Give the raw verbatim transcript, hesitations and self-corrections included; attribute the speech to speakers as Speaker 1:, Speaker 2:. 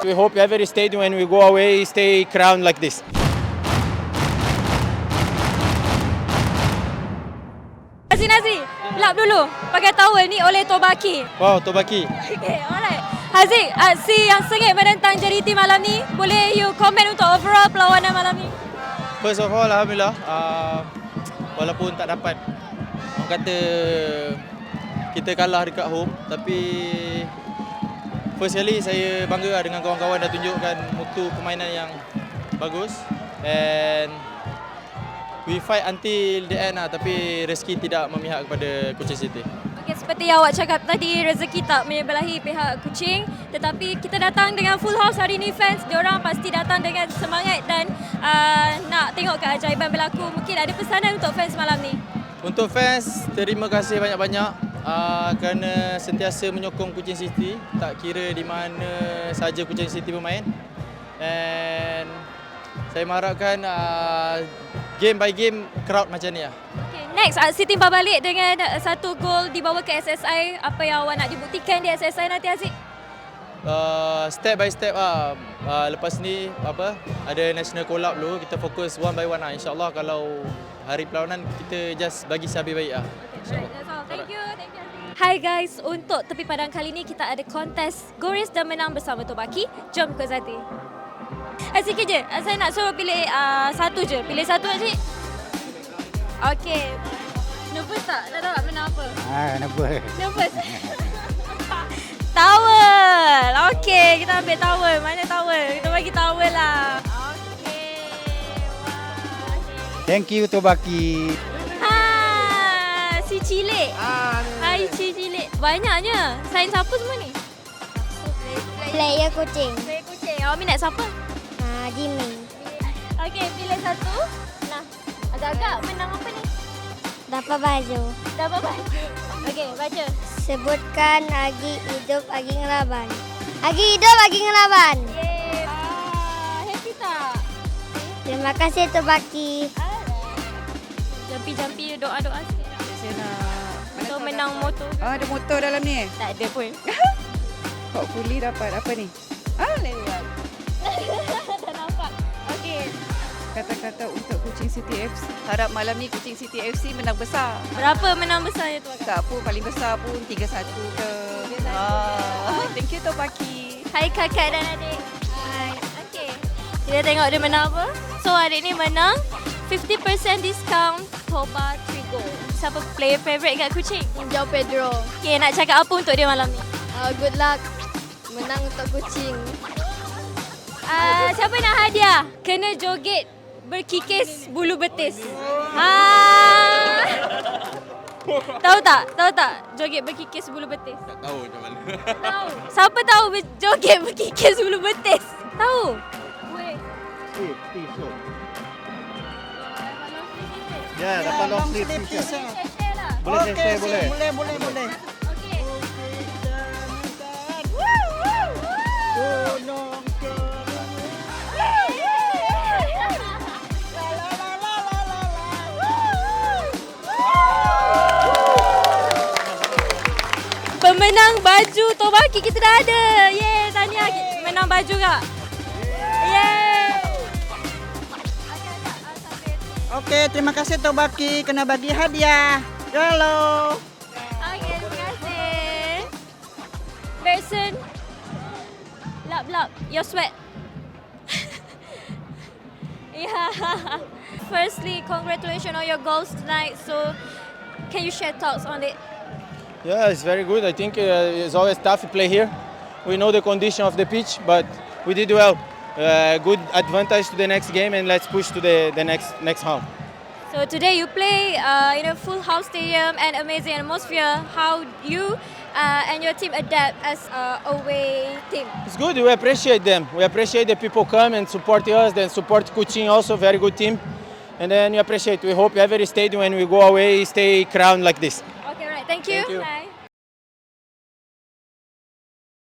Speaker 1: We hope every stadium when we go away stay crowned like this.
Speaker 2: Nazri, Nazri, lap dulu. Pakai towel ni oleh Tobaki.
Speaker 1: Wow, Tobaki.
Speaker 2: Okay, alright. Haziq, uh, si yang sengit menentang J D T malam ni, boleh you komen untuk overall perlawanan malam ni?
Speaker 1: First of all, Alhamdulillah, uh, walaupun tak dapat, orang kata kita kalah dekat home, tapi first kali saya bangga dengan kawan-kawan dah tunjukkan mutu permainan yang bagus and we fight until the end lah, tapi rezeki tidak memihak kepada Kuching City.
Speaker 2: Okay, seperti yang awak cakap tadi, rezeki tak menyebelahi pihak Kuching, tetapi kita datang dengan full house hari ni fans, diorang pasti datang dengan semangat dan uh, nak tengok keajaiban berlaku. Mungkin ada pesanan untuk fans malam ni?
Speaker 1: Untuk fans, terima kasih banyak-banyak uh, kerana sentiasa menyokong Kuching City, tak kira di mana saja Kuching City bermain. And saya mengharapkan uh, game by game crowd macam ni lah.
Speaker 2: Okay, next, Aziz timbal balik dengan satu gol dibawa ke S S I. Apa yang awak nak dibuktikan di S S I nanti, Aziz?
Speaker 1: Uh, step by step lah. Uh, lepas ni apa ada national collab dulu, kita fokus one by one lah. InsyaAllah kalau hari perlawanan kita just bagi sehabis baik lah.
Speaker 2: Okay, right, that's all. Thank you. Thank you. Hai guys, untuk tepi padang kali ni kita ada kontes Goris dan menang bersama Tobaki. Jom ke Zati. Eh, sikit je. Saya nak suruh pilih uh, satu je. Pilih satu, Aziz. Okey. Nervous tak? Nak tahu tak menang apa?
Speaker 3: Ah, nervous.
Speaker 2: Nervous. Towel. Okey, kita ambil towel. Mana towel? Kita bagi towel lah. Okey. Wah.
Speaker 3: Thank you Tobaki.
Speaker 2: Ha, si Cilik.
Speaker 3: Ah,
Speaker 2: Hai si Cilik. Banyaknya. Sains apa semua ni?
Speaker 4: Player Kuching.
Speaker 2: Saya kucing. Awak minat siapa?
Speaker 4: Ah, Jimmy.
Speaker 2: Okey, pilih satu. Nah, agak-agak menang apa ni?
Speaker 4: Dapat baju.
Speaker 2: Dapat baju. Okey, baca.
Speaker 4: Sebutkan Agi hidup Agi ngelaban. Agi hidup Agi ngelaban.
Speaker 2: Yeay. Ah, happy tak?
Speaker 4: Terima kasih Tobaki.
Speaker 2: Jampi-jampi doa-doa sikit.
Speaker 5: Saya nak
Speaker 2: Untuk menang motor.
Speaker 5: Ah, ada motor dalam ni.
Speaker 2: Tak ada pun.
Speaker 5: Hopefully dapat apa ni? Ah, lewat.
Speaker 2: Tak nampak. Okey.
Speaker 5: Kata-kata untuk Kuching City F C. Harap malam ni Kuching City F C menang besar.
Speaker 2: Berapa menang besarnya tu? Akak?
Speaker 5: Tak apa, paling besar pun tiga satu ke. Ah, thank you Tobaki.
Speaker 2: Hai kakak dan adik. Hai. Okey. Kita tengok dia menang apa. So adik ni menang fifty percent discount Toba Trigo. Siapa player favourite kat Kuching?
Speaker 4: Jauh Pedro.
Speaker 2: Okey, nak cakap apa untuk dia malam ni?
Speaker 4: Uh, good luck. Menang untuk Kuching.
Speaker 2: Uh, siapa nak hadiah? Kena joget berkikis bulu betis. Ah. Tahu tak? Tahu tak? Joget berkikis bulu betis.
Speaker 6: Tak tahu macam mana.
Speaker 2: Tahu. Siapa tahu ber- joget berkikis bulu betis? Tahu? Weh.
Speaker 3: Ya, dapat long sleeve t-shirt.
Speaker 2: Share lah.
Speaker 3: Boleh share, boleh.
Speaker 7: Boleh, boleh, boleh.
Speaker 2: Okey. Pemenang baju Tobaki kita dah ada. Yeay, tahniah. Menang baju kak. Yeay.
Speaker 7: Okey, terima kasih Tobaki kena bagi hadiah. Hello.
Speaker 2: Okey, terima kasih. Berson. Lap, lap. Your sweat. Yeah. Firstly, congratulations on your goals tonight. So, can you share thoughts on it?
Speaker 1: Yeah, it's very good. I think uh, it's always tough to play here. We know the condition of the pitch, but we did well. Uh, good advantage to the next game, and let's push to the, the next next round.
Speaker 2: So today you play uh, in a full house stadium and amazing atmosphere. How you uh, and your team adapt as a away team?
Speaker 1: It's good. We appreciate them. We appreciate the people come and support us, then support Kuching also, very good team. And then we appreciate. We hope every stadium when we go away stay crowned like this.
Speaker 2: Okay, right. Thank you.
Speaker 1: Thank you.
Speaker 2: Bye.